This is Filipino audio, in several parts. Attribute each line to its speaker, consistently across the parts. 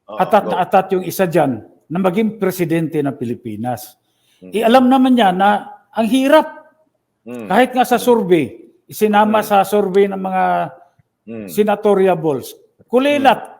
Speaker 1: atat
Speaker 2: go.
Speaker 1: na atat yung isa dyan na maging presidente ng Pilipinas.
Speaker 2: Mm.
Speaker 1: Alam naman niya na ang hirap. Kahit nga sa survey, isinama sa survey ng mga senatoriables, kulilat.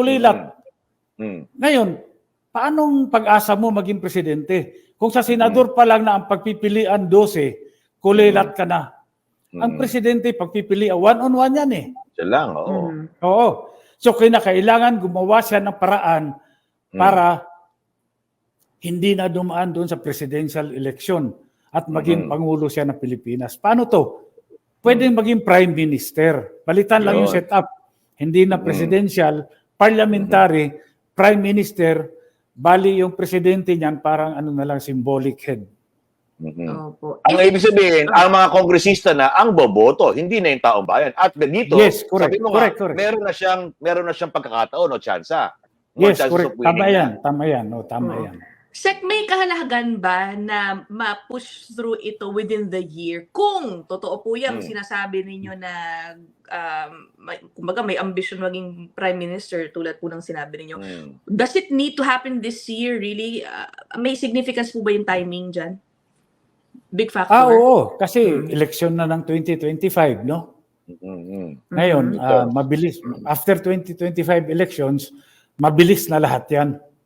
Speaker 1: Ngayon, paanong pag-asa mo maging presidente? Kung sa senador pa lang na ang pagpipilian 12, kulilat ka na. Ang presidente, pagpipilian, one-on-one yan eh.
Speaker 2: Siya lang, oo.
Speaker 1: Oo. So, kailangan gumawa siya ng paraan para hindi na dumaan doon sa presidential election at maging Pangulo siya ng Pilipinas. Paano to? Pwedeng maging Prime Minister. Palitan lang yung setup. Hindi na presidential, parliamentary, Prime Minister, bali yung presidente niyan parang ano na lang, symbolic head.
Speaker 3: Opo.
Speaker 2: Ang ibig sabihin, ang mga kongresista na ang boboto, hindi na yung taong bayan. At dito,
Speaker 1: Yes, correct,
Speaker 2: sabi mo
Speaker 1: correct.
Speaker 2: meron na siyang pagkakataon o tsansa.
Speaker 1: Yes, correct. Tama yan. Tama yan. No, tama yan.
Speaker 3: Sec, may kahalagahan ba na ma-push through ito within the year? Kung totoo po yan, sinasabi ninyo na kumbaga may ambition maging Prime Minister tulad po ng sinabi ninyo. Does it need to happen this year really? May significance po ba yung timing dyan? Big factor?
Speaker 1: Oo. Kasi election na ng 2025, no? Ngayon, mabilis. After 2025 elections, mabilis na lahat yan.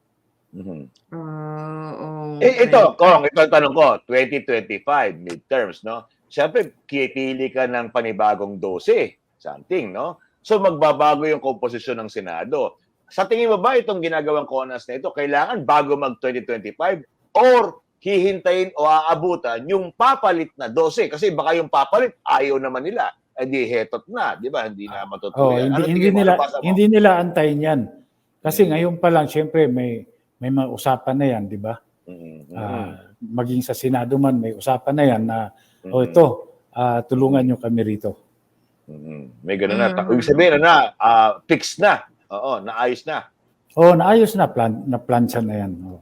Speaker 3: Okay.
Speaker 2: Ito ang tanong ko, 2025 midterms, no? Siyempre, kipili ka ng panibagong 12, something, no? So, magbabago yung komposisyon ng Senado. Sa tingin mo ba itong ginagawang CONAS na ito, kailangan bago mag-2025 or hihintayin o aabutan yung papalit na 12? Kasi baka yung papalit, ayaw naman nila. Di hetot na, di ba? Hindi na matutuloy.
Speaker 1: Hindi nila antayin yan. Kasi ngayon pa lang, siyempre, may mga usapan na yan, di ba? Maging sa Senado man, may usapan na yan na, tulungan nyo kami rito.
Speaker 2: May gano'n na. Ibig sabihin fixed na. Oo, naayos na.
Speaker 1: Oo, naayos na. Naplansya na yan. Oo.